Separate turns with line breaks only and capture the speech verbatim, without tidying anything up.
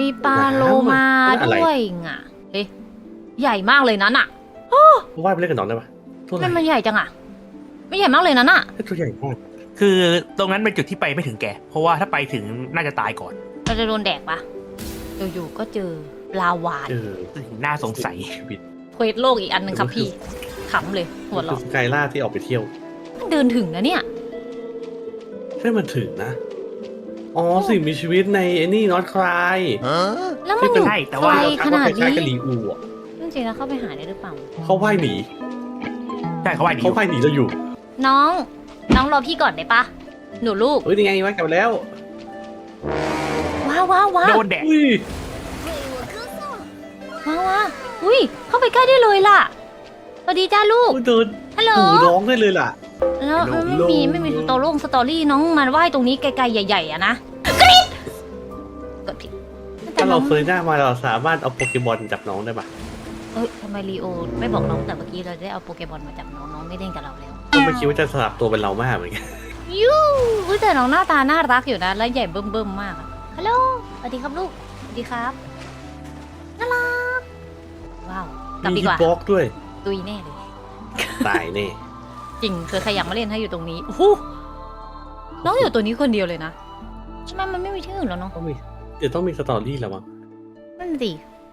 มีปลาโลมาด้วยอ่ะเอ๊ะใหญ่มากเลยนั้นอ่ะ
ว่ายไปเล่นกับน้องได้ปะตัว
ทำ
ไหน
ไมมันใหญ่จังอ่ะไม่ใหญ่มากเลยนั้นอ่ะ
ตัวใหญ่มาก
คือตรงนั้นเป็นจุดที่ไปไม่ถึงแก เพราะว่าถ้าไปถึงน่าจะตายก่อน
เราจะโดนแดกปะอยู่ๆก็เจอปลาวาฬ
เออ
น่าสงสัย
ชีวิต
เควสโลกอีกอันหนึ่งครับพี่ขำเลยหัว
คือ
เราะ
สกายล่าที่ออกไปเที่ยว
มันเดินถึงนะเนี่ย
ใช่มันถึงนะ อ๋อสิ่งมีชีวิตในไอ้นี่นอตคลาย
แล้วมันอยู่
ใช่แต่ว่า
ไกล
เรา
ข
ทักว่า
นาด
คล้าย
นี้
ๆกับลีอูอ่ะ
จริงๆแล้วเข้าไปหาได้หรือเปล่า
เขาว่ายหนี
ใช่เขาว่าดีอ
เขา
ยู่
ว่ายหนีเราอยู่
น้อง น้องรอพี่ก่อนได้ปะหนูลูก
เฮ้ยนี่ไงว่ายกลับมาแล้ว
ว้าวว้าวว้า
โด
วน
แดด
อุ้ย
ว้าวว้าวอุ้ยเข้าไปใกล้ได้เลยล่ะสวัสดีจ้าลูก
โอ้ยเดิน
ฮัลโหล
หูร้องได้เลยล่ะ
แล้ว
ฮัลโหล
ไม่มีไม่มีสตอรี่สตอรี่น้องมาว่ายตรงนี้ไกลๆใหญ่ๆอะนะกรี๊ดกดผิดแต่
ถ้า
น้
เรา
อง
เฟยหน้ามาเราสามารถเอาโปเกมอนจับน้องได้ปะ
เอ้ยทำไมลีโอไม่บอกน้องแต่เมื่อกี้เราได้เอาโปเกมอนมาจับน้องน้องไม่เล่นกับเราแล้ว
ก็ไม่คิดว่าจะสลับตัวเป็นเรามากเหมือนกัน
ยูอุ้ยแต่น้องหน้าตาน่ารักอยู่นะแล้วใหญ่เบิ่มๆมากอะฮัลโหลสวัสดีครับลูกสวัสดีครับน่ารักว้าวกลับ
มี
ดี
ฮิ
ก
ป
ว่า
บ็อกด้วย
ตุยแน่เลย
ตายแน่
จริงเคยใครอยากมาเล่นให้อยู่ตรงนี้โอ้โหน้องอยู่ตัวนี้คนเดียวเลยนะใช่ไหมมันไม่มีที่อื่นแล้วเนาะ
ต้องมีเดี๋ยวต้องมีสตอรี่แล้วมั้ง
นั่นสิ